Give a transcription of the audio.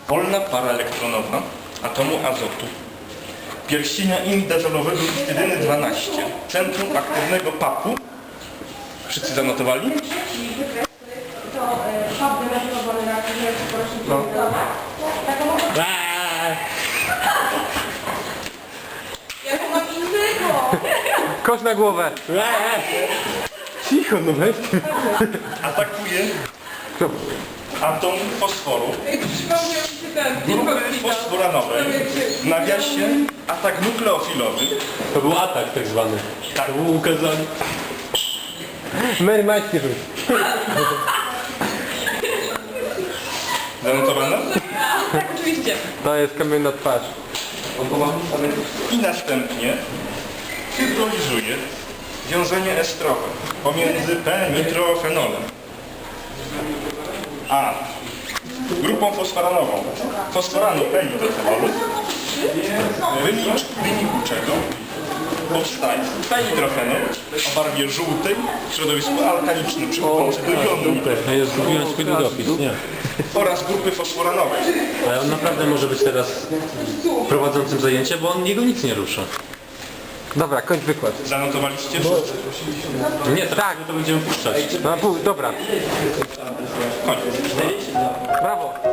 Wolna para elektronowa atomu azotu. Pierścienia imidazolowego histydyny 12. Centrum aktywnego papu. Wszyscy zanotowali? To pap denaturowany na aktywnego porośnięcia. Ja to mam innego! Kosz na głowę! Cicho, no weź. Atakuje Kto? atom fosforu. Przypomniał mi się ten. Grupy fosforanowej. W nawiasie atak nukleofilowy. To był atak tak zwany. Tak. To było ukazanie. Mary Majski rzuć. Zanotowane? Tak, oczywiście. To jest kamienna twarz. I następnie hydrolizuje wiązanie estrowe pomiędzy P-nitrofenolem a grupą fosforanową fosforanu P-nitrofenolu, w wyniku czego powstaje P-nitrofenol o barwie żółtej w środowisku alkalicznym przychodzący do jonu Ja już zgubiłem swój długopis, nie. oraz grupy fosforanowej. Ale on naprawdę może być teraz prowadzącym zajęcie, bo on jego nic nie rusza. Dobra, kończ wykład. Zanotowaliście wszyscy? Nie, tak, to będziemy puszczać. No, dobra. Koniec. Brawo.